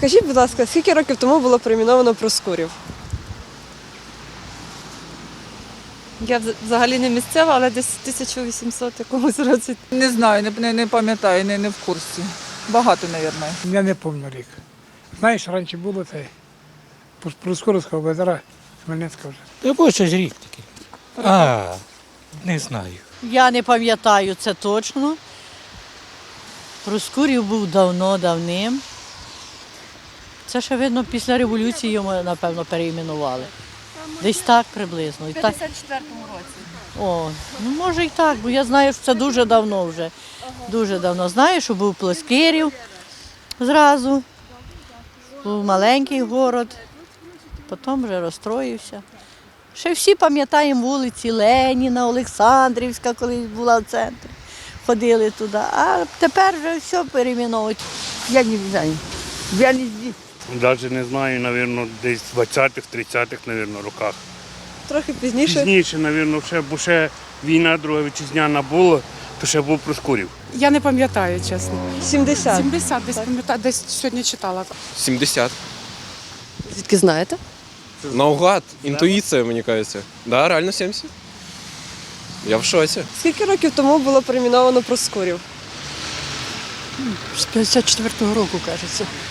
Скажіть, будь ласка, скільки років тому було перейменовано Проскурів? Я взагалі не місцева, але десь в 1800 якомусь році. Не знаю, не пам'ятаю, не в курсі. Багато, мабуть. Я не пам'ятаю рік. Знаєш, раніше було це Проскурівського базара, Хмельницька вже. Якось щось рік такий. Не знаю. Я не пам'ятаю це точно. Проскурів був давним. Це ще, видно, після революції його, напевно, переіменували. Десь так приблизно. У 54-му році. О, ну може і так, бо я знаю, що це дуже давно вже. Дуже давно. Знаю, що був Плоскирів зразу. Був маленький город, потім вже розстроївся. Ще всі пам'ятаємо вулиці Леніна, Олександрівська, колись була в центрі. Ходили туди, а тепер вже все перейменовують. Я не знаю. Я не здесь. Навіть не знаю, мабуть, десь в 20-х, 30-х, мабуть, роках. Трохи пізніше. Пізніше, мабуть, бо ще війна Друга вітчизняна була, то ще був Проскурів. Я не пам'ятаю, чесно. 70. 70 десь пам'ятаю, десь сьогодні читала. 70. Звідки знаєте? Наугад, інтуїція, мені кажеться. Да, реально 70. Я в шоці. Скільки років тому було перейменовано Проскурів? З 54-го року, кажеться.